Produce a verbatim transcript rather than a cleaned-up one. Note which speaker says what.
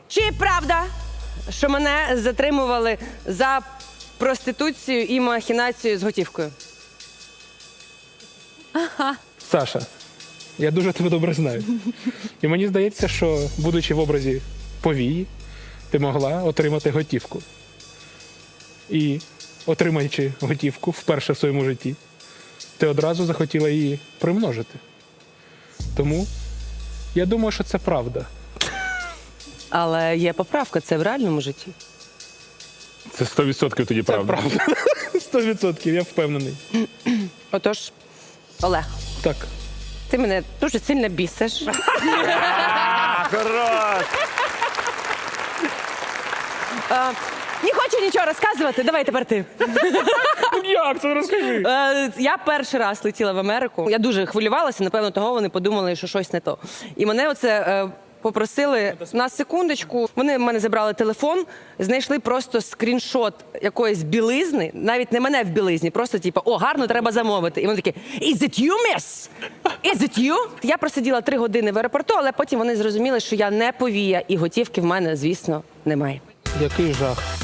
Speaker 1: Чи правда, що мене затримували за проституцію і махінацію з готівкою?
Speaker 2: Саша, я дуже тебе добре знаю. І мені здається, що, будучи в образі повії, ти могла отримати готівку. І, отримаючи готівку вперше в своєму житті, ти одразу захотіла її примножити. Тому я думаю, що це правда.
Speaker 1: Але є поправка, це в реальному житті.
Speaker 3: Це сто відсотків тоді
Speaker 2: Це
Speaker 3: правда.
Speaker 2: правда. Сто відсотків, я впевнений.
Speaker 1: Отож, Олег,
Speaker 2: Так.
Speaker 1: ти мене дуже сильно бісиш.
Speaker 3: Хорош!
Speaker 1: А, не хочу нічого розказувати, давай тепер ти.
Speaker 2: Як це? Розкажи.
Speaker 1: Е, Я перший раз летіла в Америку. Я дуже хвилювалася, напевно, того вони подумали, що щось не то. І мене оце е, попросили на секундочку. Вони в мене забрали телефон, знайшли просто скріншот якоїсь білизни, навіть не мене в білизні, просто типу, о, гарно, треба замовити. І вони такі, is it you, miss? Is it you? Я просиділа три години в аеропорту, але потім вони зрозуміли, що я не повія, і готівки в мене, звісно, немає.
Speaker 2: Який жах.